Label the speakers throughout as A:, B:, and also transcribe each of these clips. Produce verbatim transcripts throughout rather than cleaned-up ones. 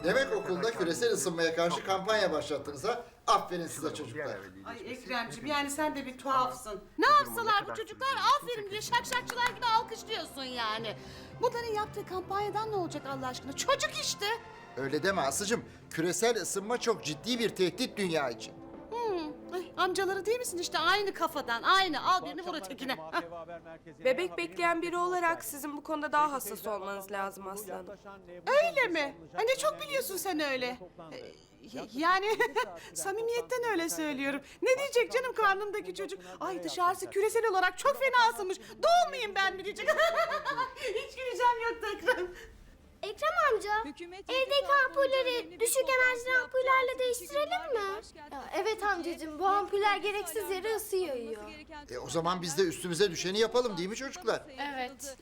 A: Demek okulda küresel ısınmaya karşı kampanya başlattınız ha? Aferin size çocuklar.
B: Ay Ekremciğim yani sen de bir tuhafsın. Ne yapsalar bu çocuklar aferin diye şakşakçılar gibi alkışlıyorsun yani. Bunların yaptığı kampanyadan ne olacak Allah aşkına? Çocuk işte.
A: Öyle deme Aslı'cığım. Küresel ısınma çok ciddi bir tehdit dünya için.
B: Hmm. Ay, amcaları değil misin işte aynı kafadan aynı al birini vur ötekine. Hah.
C: Bebek bekleyen biri olarak sizin bu konuda daha hassas olmanız lazım Aslı Hanım.
B: Öyle mi? Ay ne çok biliyorsun sen öyle. Ee, y- yani samimiyetten öyle söylüyorum. Ne diyecek canım karnımdaki çocuk? Ay dışarısı küresel olarak çok fena ısınmış. Doğmayayım ben mi diyecek? Hiç güleceğim yoktu Ekrem.
D: Ekrem amca, evdeki ampulleri düşük enerjili ampullerle değiştirelim mi? Ya, evet amcacığım, bu ampuller gereksiz yere ısı yayıyor.
A: E o zaman biz de üstümüze düşeni yapalım değil mi çocuklar?
D: Evet.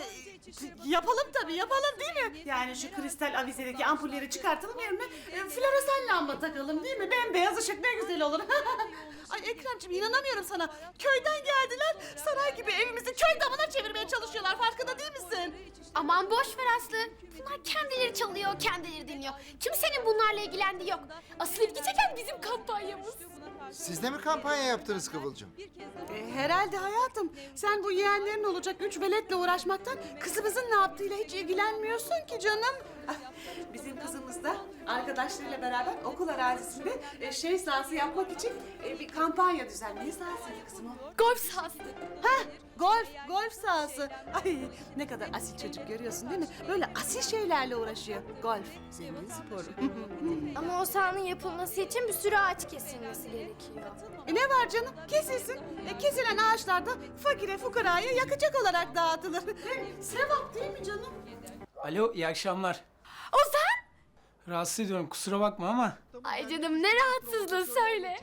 B: Yapalım tabii yapalım değil mi? Yani şu kristal avizedeki ampulleri çıkartalım yerine e, floresan lamba takalım değil mi? Bembeyaz ışık ne güzel olur. Ay Ekremciğim inanamıyorum sana. Köyden geldiler saray gibi evimizi köy damına çevirmeye çalışıyorlar farkında değil misin?
D: Aman boş ver Aslı. Bunlar kendileri çalıyor, kendileri dinliyor. Kimsenin bunlarla ilgilendiği yok. Asıl ilgi çeken bizim kampanyamız.
A: Siz de mi kampanya yaptınız Kıvılcım?
B: E, herhalde hayatım. Sen bu yeğenlerin olacak üç veletle uğraşmaktan kızımızın ne yaptığıyla hiç ilgilenmiyorsun ki canım. Ah, bizim kızımız da arkadaşlarıyla beraber okul arazisinde e, şey sahası yapmak için e, bir kampanya düzenliyor. Ne sahasıydı kızım o?
D: Golf sahası.
B: Hah, golf, golf sahası. Ay ne kadar asil çocuk görüyorsun değil mi? Böyle asil şeylerle uğraşıyor. Golf, zengin sporu.
D: Ama o sahanın yapılması için bir sürü ağaç kesilmesi gerekiyor.
B: E ne var canım? Kesilsin. E, kesilen ağaçlar da fakire fukaraya yakacak olarak dağıtılır. Hem sevap değil mi canım?
E: Alo, iyi akşamlar.
D: Ozan!
E: Rahatsız ediyorum, kusura bakma ama...
D: Ay canım ne rahatsızlığı söyle.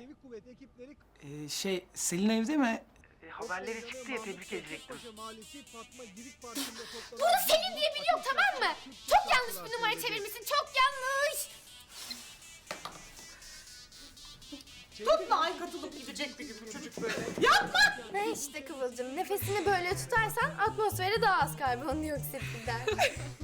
E: e, şey, Selin evde mi? E, haberleri çıktı ya, tebrik edecektim.
D: Bunu Selin diye biri yok tamam mı? Çok yanlış bir numara çevirmişsin çok yanlış.
B: Tutma ay katılıp gidecekti gibi çocuk böyle. Yapma!
D: Ne işte Kıvılcım nefesini böyle tutarsan atmosfere daha az karbondioksit gider.